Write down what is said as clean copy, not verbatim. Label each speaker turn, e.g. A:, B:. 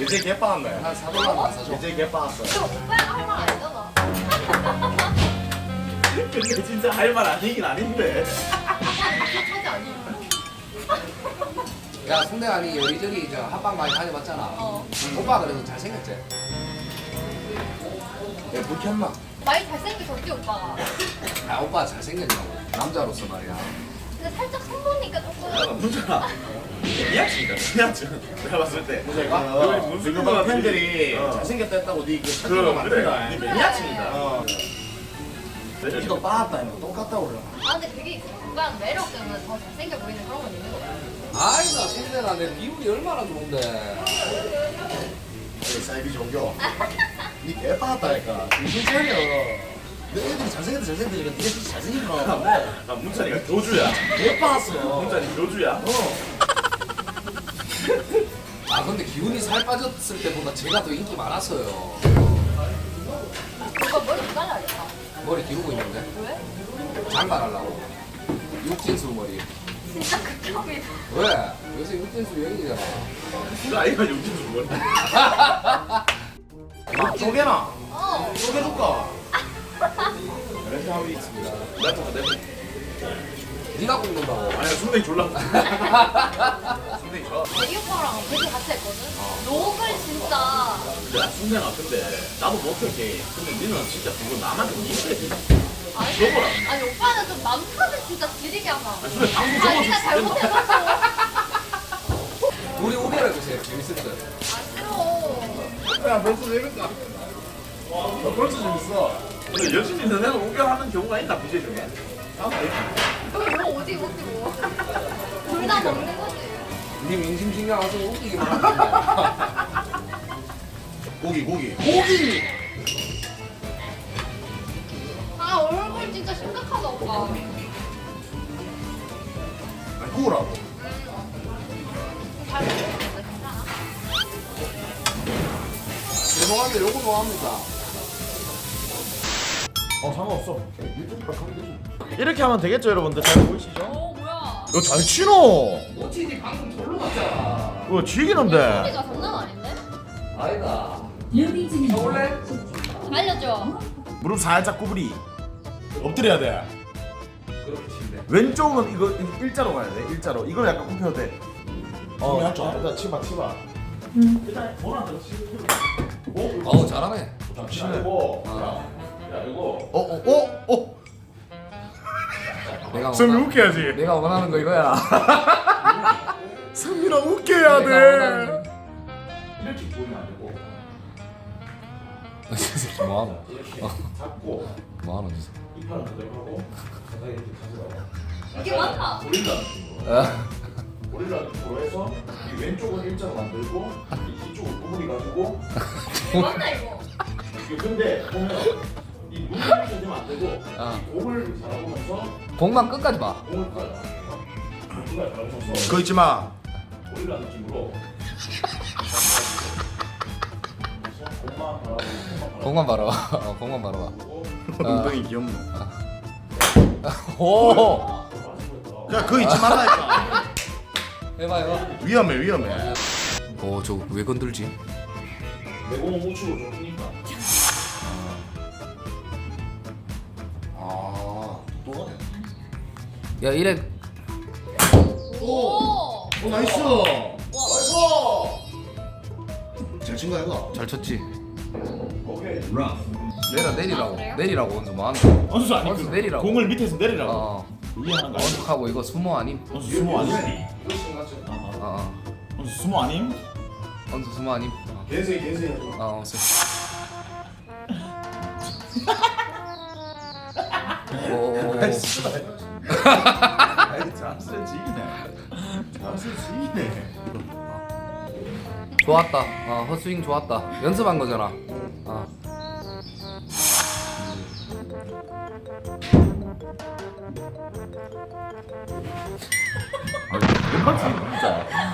A: 이제 개 빠았네.
B: 한 4달러만 안 사줘.
A: 이제 개 빠았어.
C: 그 오빠가 할 말 아니잖아.
A: 근데 진짜 할 말 아니긴 아닌데.
C: 차지 아니.
B: 야 송대관이 여기저기 저 합방 많이 다녀봤잖아. 오빠 그래도 잘생겼지? 야 불켰나?
C: 많이 잘생기셨지 오빠가.
B: 아 오빠 잘생겼냐고 남자로서 말이야.
C: 근데 살짝 손보니까 조금.
A: 문준아. 미약진이다. 미약진. 내가 봤을 때.
B: 문제가?
A: 무슨 팬들이 잘생겼다 했다고 니그 착각을 만든다. 니 매니아층이다. 니도 빠았다 이거 똑같다고 그래.
C: 아 근데 그게 오빠는 매력 때문에 더 잘생겨 보이는 그런 건 있는 거야.
B: 아이가 송대가 내 비율이 얼마나 좋은데.
A: 사이비 종교. 니 개 빠았다니까. 무슨 차려. 내 애들이 잘생겼다 잘생겼다 니가 진짜 잘생긴 거 같은데. 문찬이가 교주야. 개 빠았어. 문찬이 교주야.
B: 아 근데 기훈이 살 빠졌을 때보다 제가 더 인기 많았어요.
C: 오빠 머리 못 잘라야겠다.
B: 머리 기르고 있는데
C: 왜?
B: 장발하려고. 육진수 머리.
C: 진짜 극혐이다.
B: 왜? 요새 육진수 여행이잖아.
A: 나 이거 용진수 머리. 쪼개나. 쪼개줄까? 이렇게 하고 있습니다.
B: 네가 굽는다고.
A: 아니 순댕이 졸라. 순댕이 좋아.
C: 이 오빠랑 되게 같이 했거든. 록을 진짜.
A: 야 순댕아 근데 나도 못할게. 근데 니는 진짜 그거 남한테 이쁘게.
C: 아니,
A: 저거라.
C: 아니 오빠는 좀 남편을 진짜 지리게 하잖아.
A: 근데 방송
C: 아 네가 잘못해놓고.
B: 우리 우결해주세요. 재밌을 때.
C: 아 싫어.
A: 야 벌써 재밌다. 너 벌써 재밌어. 근데 열심히 너네가 우결하는 경우가 있나 BJ 중에?
C: 여기 뭐 어디 먹지 뭐. 둘 다 먹는 거지.
B: 네 민심 신경 안 쓰고 웃기기만 하는데.
A: 고기.
C: 아 얼굴 진짜 심각하다 오빠.
A: 아니 구우라고.
C: 잘 먹었는데 괜찮아?
B: 죄송한데 요거 좋아합니다.
A: 상관없어. 이렇게 하면 되겠죠 여러분들? 잘 보이시죠?
C: 오 뭐야.
A: 이거 잘 치노.
B: OTD 방금 절로 갔잖아.
A: 이거 즐기는데.
C: 소리가 장난 아닌데?
B: 아니다.
D: 뮤비 중입니다.
B: 원래
C: 알려줘.
A: 무릎 살짝 구부리. 엎드려야 돼.
B: 그렇게 친데.
A: 왼쪽은 이거 일자로 가야 돼. 일자로. 이걸 약간 굽혀도 돼. 일단 치봐. 일단 뭐라도 치고.
B: 어우 잘하네.
A: 치네. 야 이거.
B: 내가
A: 성민 웃겨야지.
B: 내가 원하는 거 이거야.
A: 성민아 웃겨야
B: 내가 원하는
A: 돼. 이렇게 보면 안 되고.
B: 이 새끼 뭐하노?
A: 잡고
B: 뭐하노 진짜.
A: 이 팔은 그대로 하고 가다가 이렇게 가져가.
C: 이게 맞나?
A: 고릴라 느낌으로. 고릴라 느낌으로 해서 이 왼쪽은 일자로 만들고 이쪽은 구부리 가지고.
C: 이게 맞나 이거?
A: 이게 근데 보면 이 눈을 이렇게 되면 안 되고 이 공을 바라보면서
B: 공만 끝까지 봐.
A: 공을 봐야 공을 바라보면서 그거 있지 마. 고릴라 느낌으로.
B: 공만 바로. 공만 바로 봐.
A: 엉덩이 귀엽네.
B: 오.
A: 야 그거 잊지 말라니까.
B: 해봐.
A: 위험해.
B: 오 저거 왜 건들지?
A: 내 몸은 우측으로 좀 크니까. 또 가네.
B: 야 이래.
C: 오.
A: 나이스.
C: 와.
A: 잘 친 거야 이거.
B: 잘 쳤지.
A: 오케이.
B: 내리라고.
C: 그래요?
B: 내리라고 원수 뭐 하는 거야?
A: 원수 아니
B: 원수 내리라고.
A: 공을 밑에서 내리라고. 위에 하는 거 아니야?
B: 원수하고 이거 수모 아님?
A: 원수 수모 아님? 원수 수모 아님?
B: 원수 수모 아님?
A: 개수해.
B: 원수. 오.
A: 잘쓰는 지기네.
B: 좋았다. 헛스윙 좋았다. 연습한 거잖아.
A: 진짜.